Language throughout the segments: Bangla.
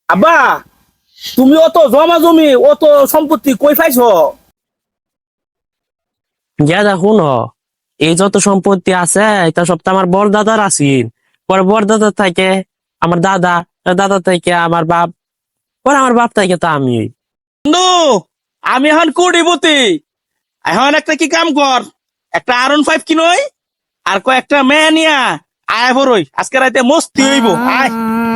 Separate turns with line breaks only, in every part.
আব্বা, তুমি অত জমা জমি অত সম্পত্তি কই পাইছো?
গেদা শুন, এই যত সম্পত্তি আছে এটা সব তো আমার বড়দাদার আছিল। পরে বড়দাদা থেকে আমার দাদা, দাদা থেকে আমার বাপ, পরে আমার বাপ থেকে তো আমি।
বন্ধু, আমি এখন কোটিপতি। এখন একটা কি কাম কর, একটা R15 কিনই আর কয়েকটা মেয়ে নিয়া আয় বড়ই, আজকে রাতে মস্তি হইব। আয়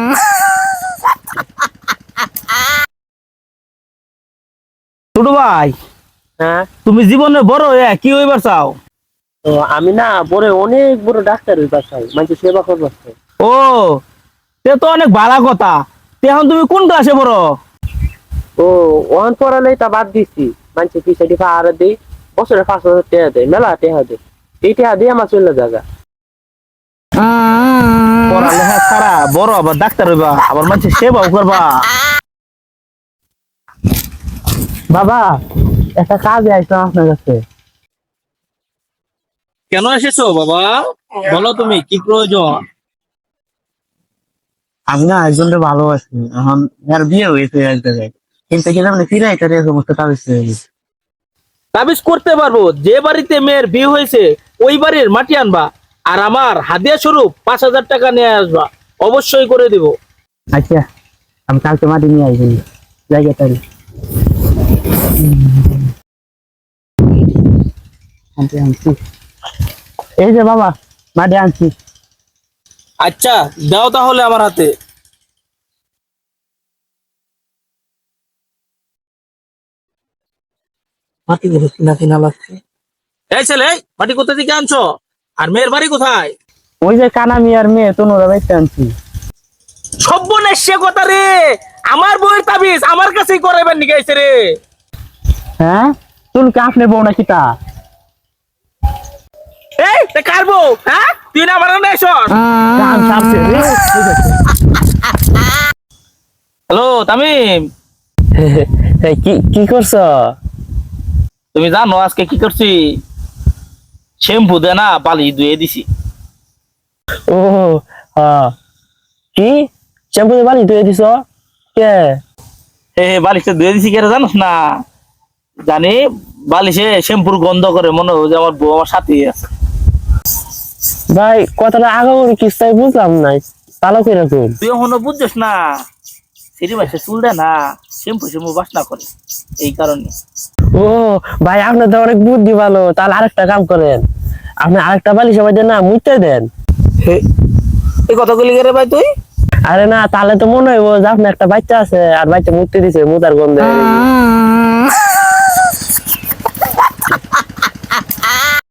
ছোট ভাই,
হ্যাঁ,
তুমি জীবনে বড় হয়ে কি হইবার চাও?
তো আমি না পরে অনেক বড় ডাক্তার হইবার চাই, মানুষের সেবা করবার চাই।
ও, তে তো অনেক ভালো কথা। তে এখন তুমি কোন ক্লাসে পড়ো?
ও, ওখান পড়ালেই তা বাদ দিছি। মানুষের কি সেটি পাহাড়ে দিই, বছরে 5,000 টাকা দেয়, মেলা টাকা দেয়। এই টাকা দিয়ে আমার চলে জায়গা।
পড়ালেখা ছাড়া বড় আবার ডাক্তার হইবা, আবার মানুষের সেবাও করবা।
বাবা, একটা কাজে আসলাম আপনার কাছে।
কেন এসেছো বাবা? বলো তুমি কি প্রয়োজন?
আমি না একজনকে ভালোবাসি, এখন এর বিয়ে হয়েছে এক জায়গায়, কিন্তু কি জানি ফিরে এটা সমস্ত কাজ হয়ে গেছে।
তাবিজ করতে পারবো। যে বাড়িতে মেয়ের বিয়ে হয়েছে ওই বাড়ির মাটি আনবা, আর আমার হাদিয়া স্বরূপ 5,000 টাকা নিয়ে আসবা। অবশ্যই করে দিব।
আচ্ছা, আমি কালকে মাটি নিয়ে আসবো জায়গাটারি। আনছি, এই যে বাবা, মাটি আনছি।
আচ্ছা, দাও তাহলে আমার হাতে।
মাটি গুলো কিনা কিনা লাগছে।
এই ছেলে, এই, মাটি কোথা থেকে আনছো? আর মেয়ের বাড়ি কোথায়?
ওই যে কানা মিয়ার মেয়ে তনুরা বাইতে আনছি।
সর্বনেশ কথা রে! আমার বউয়ের তাবিজ আমার কাছেই করাইবার নিকে আইছে রে।
হ্যাঁ, তুমি কি আপনি বউ নাকি তা?
এই তে কার বউ? হ্যাঁ, তুই না আমার না এসস।
কান সারছে রে।
হ্যালো তামিম,
কি কি করছো?
তুমি জানো আজকে কি করছি? শ্যাম্পু দে না বালি ধুয়ে দিছি।
ও, হ্যাঁ, কি শ্যাম্পু দিয়ে বালি ধুয়ে দিছ? কে?
বালিশটা ধুয়ে দিছি কেন জানোস না? জানি বালিশে শ্যাম্পুর গন্ধ করে, মনে হয় যে আমার বউ আমার সাথেই আছে।
ভাই, কথাটা আগে কিস্তায় বুঝলাম নাই, ভালো করে কই।
তুই এখনো বুঝছিস না? সিঁড়ি মাসে চুল দেয় না, শ্যাম্পু শ্যাম্পু বাসনা করে, এই কারণে।
ও ভাই, আপনার তো অনেক বুদ্ধি ভালো। তাহলে আরেকটা কাম করেন, আপনি আরেকটা বালিশ সবাই দেন না, মুইতে দেন।
এই কথাগুলি করে ভাই তুই?
আরে না, তাহলে তো মনে হইব যে আপনার একটা বাচ্চা আছে আর বাচ্চা মুতে দিছে মুতার গন্ধে।